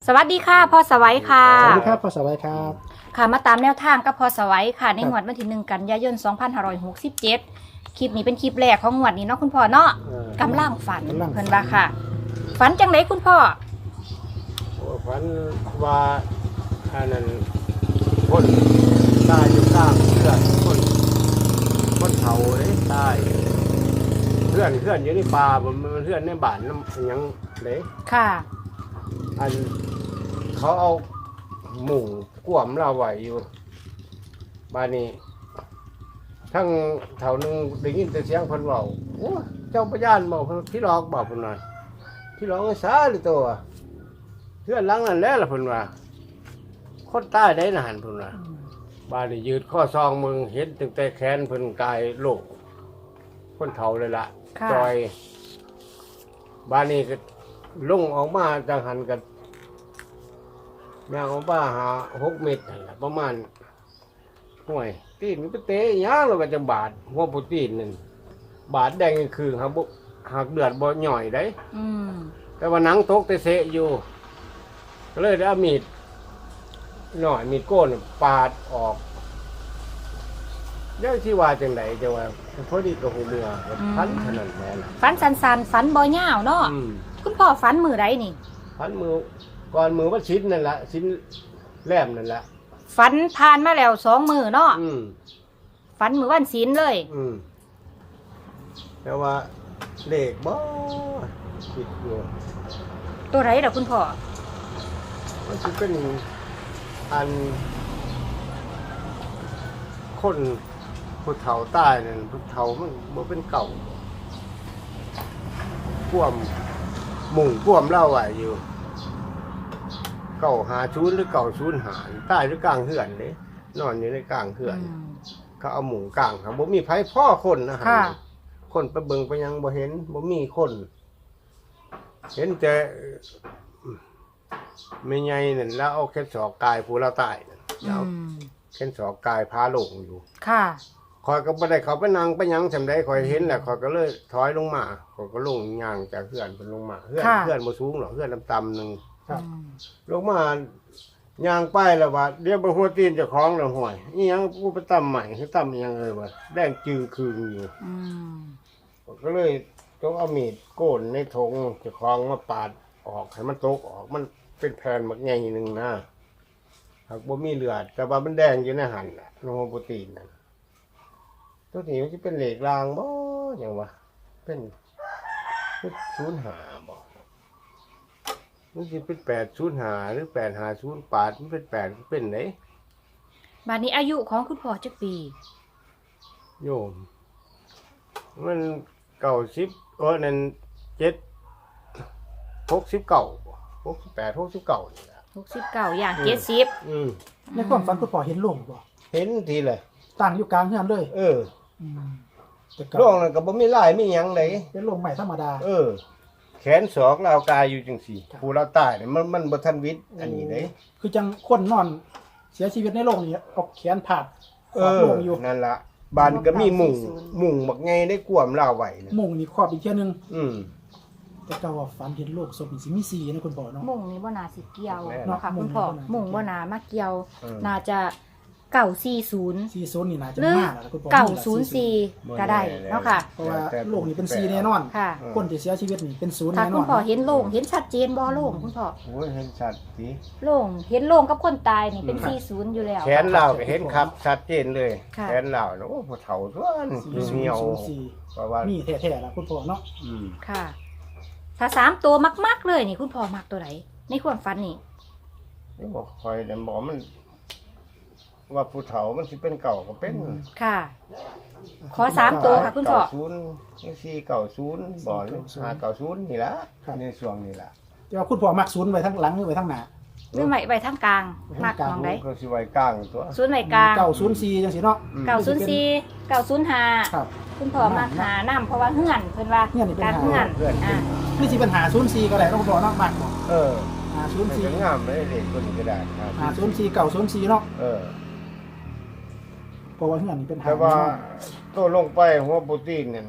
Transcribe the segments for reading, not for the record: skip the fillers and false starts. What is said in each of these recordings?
สวัสดีค่ะพ่อสวัยค่ะสวัสดีครับพ่อสวัยครับค่ะมาตามแนวทางกับพ่อสวัยค่ะในงวดวันที่1 กันยายน 2567 คลิปนี้เป็นคลิปแรกของงวดนี้เนาะคุณพ่อเนาะกำลังฝันเพิ่นว่าค่ะฝันจังไดคุณพ่อฝันว่าอันนั้นคนตายอยู่ข้างเพื่อนคนเผาเลยตายเพื่อนอยู่ในป่ามันเพื่อนในบ้านน้ำยังเลยค่ะอันเขาเอาหมูกวมเราไว้อยู่บ้านนี้ทั้งแถวนึงได้ยินแต่เสียงคนบอกโอ้เจ้าพญานบอกพี่หลอกบอกคนหน่อยพี่หลอกไอ้สาหรือตัวเพื่อนหลังนั่นแหละล่ะคนว่าคนใต้ได้นานคนว่าบ้านนี้ยืดข้อซองมึงเห็นตั้งแต่แขนเพิ่นกายโลกคนเฒ่าเลยล่ะจอยบ้านนี้ก็ลุ่งออกมาจากหันกันแมวของป้าหา6 เมตรประมาณห่วยตีนมันไปเตะย่างเราก็จะบาดหัวปูตีนนั่นบาดแดงคือหักเดือดบ่หน่อยได้แต่ว่าหนังตกเตะอยู่ก็เลยได้เอามีดหน่อยมีดโก้นปาดออกแล้วที่ว่าจังไหนจะว่าพอดีกับหูเมือพันขนาดแม่นฝันสันๆฝันบ่ยาวเนาะคุณพ่อฝันมือใดนี่พันมือก่อนมือว่าชิ้นนั่นแหละชิ้นแหลมนั่นแหละฝันผ่านมาแล้ว2 มื้อเนาะฝันมื้อวันศีลเลยแต่ว่าเลขบ่คิดอยู่ตัวไหนล่ะคุณพ่อมันจะเป็นอันคนผู้เฒ่าใต้นั่นผู้เฒ่ามันบ่เป็นเก่าพ่วมหมุ่งพ่วมเล่าไว้อยู่เก่า50หรือเก่า05ใต้หรือกลางเฮือนเด้นอนอยู่ในกลางเฮือนเขาเอาหมุ่งกลางครับบ่มีไผพ่อคนนะฮะคนไปเบิ่งไปยังบ่เห็นบ่มีคนเห็นแต่แม่ใหญ่นั่นแล้วเอาแค่ศอกกายผู้เราตายนั่นแล้วแค่ศอกกายพาลงอยู่ค่ะคอยก็บ่ได้เขาไปนั่งไปยังจำได้คอยเห็นแหละคอยก็เลยถอยลงมาคอยก็ลงย่างจากเฮือนเพิ่นลงมาเฮือนบ่สูงหรอกเฮือนต่ำๆนึงลงมาย่างไปแล้วว่าเดี๋ยวบ่หัวตีนเจ้าของแล้วห่วยอีหยังกูไปตำใหม่คือตำอีหยังเลยว่าแดงจึงคืนอยู่ก็เลยต้องเอามีดโกนในถงเจ้าของมาปาดออกให้มันตกออกมันเป็นแผ่นบักใหญ่นึงนะหากบ่มีเลือดแต่ว่ามันแดงอยู่ในหั่นน่ะโลโปรตีนนั่นตัวนี้มันสิเป็นเหล็กรางบ่หยังวะเป็น05บ่มันสิเป็น805หรือ850ปาดมันเป็น8เป็นไหนบัดนี้อายุของคุณพ่อจักปีโยมมัน90นั่น68 69นี่ล่ะ 69อย่าง70 ในความฝันคุณพ่อเห็นโลงบ่เห็นทีเลยตั้งอยู่กลางเฮือนเลยโลงนั่นก็บ่มีลายมีหยังไดเป็นโลงใหม่ธรรมดาแขนศอกลาวกายอยู่จังซี่ผู้เราตายนี่มันบ่ทันวิทย์อันนี้เด้คือจังคนนอนเสียชีวิตในโลงนี่เอาแขนผาดโลงอยู่นั่นล่ะบ้านก็มีมุงบักใหญ่ได้กวมลาวไว้นะมุงนี่ครอบอีกเที่ยนึงแต่ก็ว่าฝันเห็นโลกศพนี่สิมี4นะคุณพ่อเนาะมุงนี่บ่น่าสิเกี่ยวเนาะค่ะคุณพ่อมุงบ่น่ามาเกี่ยวน่าจะ940 นี่น่าจะมากแล้วคุณพ่อ 904ก็ได้เนาะค่ะเพราะว่าโลกนี่เป็น4แน่นอนคนที่เสียชีวิตนี่เป็น0แน่นอนคุณพ่อเห็นโลงเห็นชัดเจนบ่โลงคุณพ่อโอ้ยเห็นชัดสิโลงเห็นโลงกับคนตายนี่เป็น40อยู่แล้วแขนเราก็เห็นครับชัดเจนเลยแขนเราโอ้ผู้เฒ่าส่วนเหี่ยวเพราะว่ามีแท้ๆล่ะคุณพ่อเนาะค่ะถ้า3ตัวมักๆเลยนี่คุณพ่อมักตัวไหนในความฝันนี่บอกคอยแต่บอกมันว่าผู้เฒ่ามันสิเป็นเก่าก็เป็นค่ะขอ3ตัวค่ะคุณพ่อ 490บ่590นี่ล่ะในช่วงนี้ล่ะแต่ว่าคุณพ่อมัก0ไว้ทั้งหลังหรือไว้ทั้งหน้าหรือไว้ทั้งกลางมักมองได้ก็สิไว้กลางตัว 0ไว้กลาง 904จังซี่เนาะ 904 905 ครับคุณพ่อมักหาน้ำเพราะว่าเฮือนเพิ่นว่าการเฮือนนี่สิเป็น504ก็ได้คุณพ่อเนาะมักบ่ 504งามเลยเด็กคนนี้ก็ได้ครับ504 904เนาะเพราะว่าเฮือนนี่เป็นแต่ว่าตัวลงไปหัวโปรตีนนั่น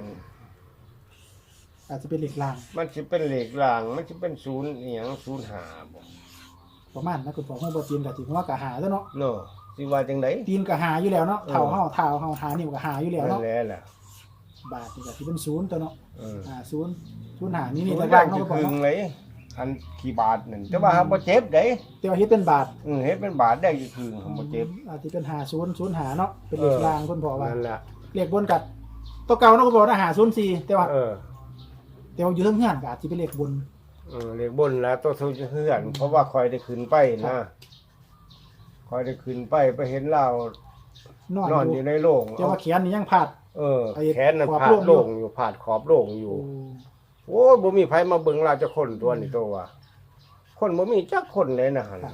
อาจจะเป็นเหล็กรางมันสิเป็นเหล็กรางมันสิเป็น0อีหยัง05บ่ประมาณนะคุณพ่อฮู้บ่ตีนก็สิหัวก็หาแล้วเนาะเนาะสิว่าจังได๋ตีนก็หาอยู่แล้วเนาะเท้าเฮาหานิ้วก็หาอยู่แล้วนั่เนาะนแหละล่ะบาทนี่ก็สิเป็น0ตัวเนาะ 0หานี่นี่แต่แต่ล่าล่าง งเนาะคือพ่อพึงเนาะเลยอันกี่บาทนั่นแต่ว่าหาบ่เจ็บเด้แต่ว่าเฮ็ดเป็นบาทเฮ็ดเป็นบาทได้คือพึงบ่เจ็บอาจสิเป็น50 0หาเนาะเป็นเลขล่างคุณพ่อว่านั่นล่ะเลขบนกับตัวเก่าเนาะคุณพ่อนะ504แต่ว่าเอยู่เทิงเฮือนก็อาจสิเป็นเลขบนเลขบนแล้วตัวสูงเฮือนเพราะว่าคอยได้ขึ้นไปนะคอยได้ขึ้นไปเห็นเรานอนอยู่ในโรงแต่ว่าแขนนี่ยังพลาดแขนนั้นผาดโล่งอยู่ผาดขอบโล่งอยู่โอ้ยบ่มีไผมาเบิ่งเราจะคนตัวนี้ตัวว่าคนบ่มีจักคนเลยนะหั่น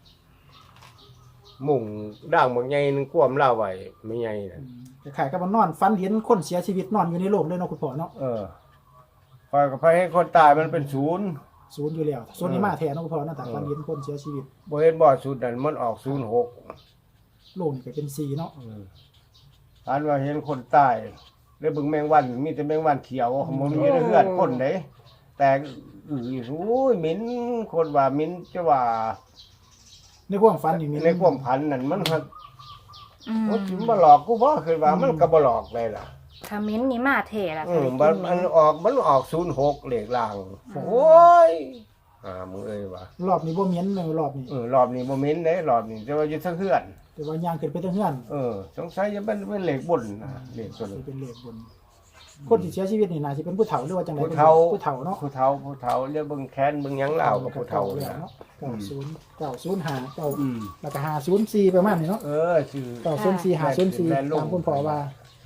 มุ่งด่างบางใหญ่นึงกวมลาไว้ไม่ใหญ่น่ะคล้ายๆกับมันนอนฝันเห็นคนเสียชีวิตนอนอยู่ในโลกเลยเนาะคุณพ่อเนาะคอยก็ไปให้คนตายมันเป็นศูนย์ศูนย์อยู่แล้วศูนย์นี่มาแทนเนาะคุณพ่อเนาะแต่ฝันเห็นคนเสียชีวิตบ่เห็นบ่ศูนย์นั่นมันออก06 โลกนี่ก็เป็น4เนาะอันว่าเห็นคนตายแล้วเบิ่งแมงวันมีแต่แมงวันเขียวบ่มีเลือดคนเด้แต่โอ้ยเหม็นคนว่าเหม็นจะว่าในความฝันนี่มีในความพันนั่นมันหักมมันสิมาหลอกกูบ่คือว่ามันก็บ่หลอกเลยล่ะคอมเมนต์นี่มาเท่ละมันออก06เลขล่างโอ้ยมึงเอ้ยว่ะรอบนี้บ่เหม็นเลยรอบนี้รอบนี้บ่เหม็นเด้รอบนี้แต่ว่าอยู่ทางเฮือนแต่ว่าย่างขึ้นไปทางเฮือนสงสัยจะเป็นเลขบนนะเลขตัวสินี้เป็นเลขบนคนที่เสียชีวิตนี่น่าสิเป็นผู้เฒ่าหรือว่าจังได๋ผู้เฒ่าผู้เฒ่าเนาะผู้เฒ่าเรียกเบิ่งแค้นเบิ่งหยังลาวกับผู้เฒ่าแล้วนะเนาะ905 9แล้วก็504ประมาณนี้เนาะชื่อ 904 504ตามคุณพ่อว่า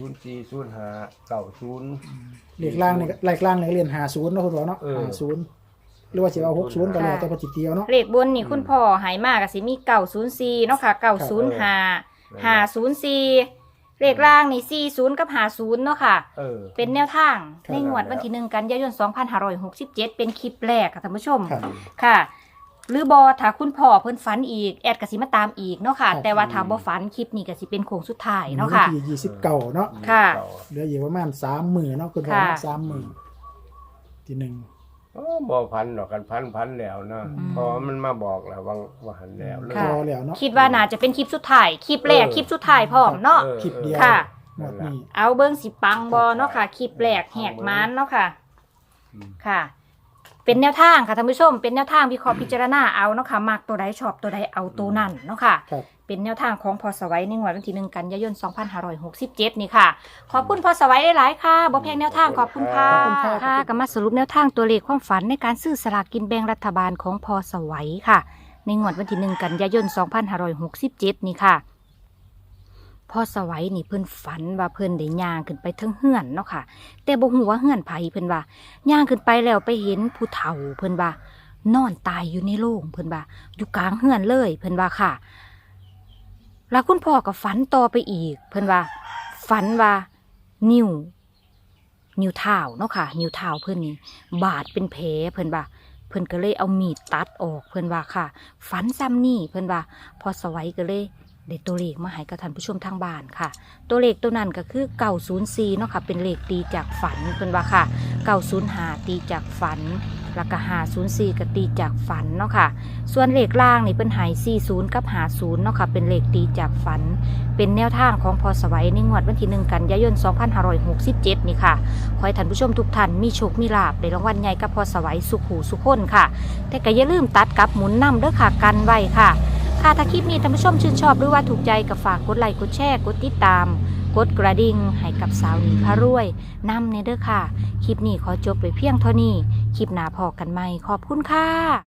040590 เลขล่างนี่เลขล่างนี่เรียน50เนาะคุณพ่อเนาะ50หรือว่าสิเอา60ก็แล้วแต่ปฏิเตียวเนาะเลขบนนี่คุณพ่อหายมากก็สิมี904เนาะค่ะ905 504เลขล่างนี่40กับ50เนาะค่ะ เป็นแนวทางในงวดวันที่1กันยายน2567เป็นคลิปแรกค่ะท่านผู้ชมครับค่ะ หรือบอถ้าคุณพ่อเพิ่นฝันอีกแอดก็สิมาตามอีกเนาะค่ะครับแต่ว่าถ้าบ่ฝันคลิปนี้ก็สิเป็นโค้งสุดท้ายเนาะค่ะวันที่29เนาะค่ะเหลืออยู่ประมาณ3มื้อเนาะคุณพ่อค่ะ 3มื้อที่หนึ่งบ่พันดอกกันพันแล้วนะอืมพอมันมาบอกแล้วว่าหันแล้วเลยค่ะพอแล้วเนาะคิดว่าน่าจะเป็นคลิปสุดท้ายคลิปแรกคลิปสุดท้ายพร้อมเนาะคลิปเดียวค่ะหมดนี้เอาเบิ่งสิปังบ่เนาะค่ะคลิปแรกแหกม้านเนาะค่ะ ค่ะ เป็นแนวทางค่ะท่านผู้ชม เป็นแนวทางวิเคราะห์พิจารณาเอาเนาะค่ะมักตัวใดชอบตัวใดเอาตัวนั้นเนาะค่ะครับเป็นแนวทางของพอสวัยในงวดวันที่1กันยายน2567นี่ค่ะ ขอบคุณพอสวัยหลายๆค่ะบ่แพงแนวทางขอบคุณค่ะขอบคุณค่ะค่ะก็มาสรุปแนวทางตัวเลขความฝันในการซื้อสลากกินแบ่งรัฐบาลของพอสวัยค่ะ ในงวดวันที่1กันยายน2567นี่ค่ะพอสวัยนี่เพิ่นฝันว่าเพิ่นได้ย่างขึ้นไปเทิงเฮือนเนาะค่ะ แต่บ่ฮู้ว่าเฮือนไผเพิ่นว่าย่างขึ้นไปแล้วไปเห็นผู้เฒ่าเพิ่นว่านอนตายอยู่ในโรงเพิ่นว่าอยู่กลางเฮือนเลยเพิ่นว่าค่ะ แล้วคุณพ่อก็ฝันต่อไปอีก เพิ่นว่าฝันว่านิ้วเท้าเนาะค่ะ นิ้วเท้าเพิ่นนี่บาดเป็นแผลเพิ่นว่าเพิ่นก็เลยเอามีดตัดออกเพิ่นว่าค่ะ ฝันซ้ำนี่เพิ่นว่าพอสวัยก็เลยได้ตัวเลขมาให้กับท่านผู้ชมทางบ้านค่ะ ตัวเลขตัวนั้นก็คือ904เนาะค่ะเป็นเลขตีจากฝันเพิ่นว่าค่ะ905ตีจากฝันแล้วก็504ก็ตีจากฝันเนาะค่ะ ส่วนเลขล่างนี่เป็นหาย40กับ50เนาะค่ะเป็นเลขตีจากฝัน เป็นแนวทางของพอสวัยในงวดวันที่1กันยายน2567นี่ค่ะขอให้ท่านผู้ชมทุกท่านมีโชคมีลาภในรางวัลใหญ่กับพอสวัยสุขหูสุขคนค่ะ แต่ก็อย่าลืมตัดกับหมุนนำเด้อค่ะกันไว้ค่ะค่ะถ้าคลิปนี้ท่านผู้ชมชื่นชอบหรือว่าถูกใจก็ฝากกดไลค์กดแชร์กดติดตามกดกระดิ่งให้กับสาวหนิงพารวยนำเนเด้อค่ะคลิปนี้ขอจบไปเพียงเท่านี้คลิปหน้าพอกันใหม่ขอบคุณค่ะ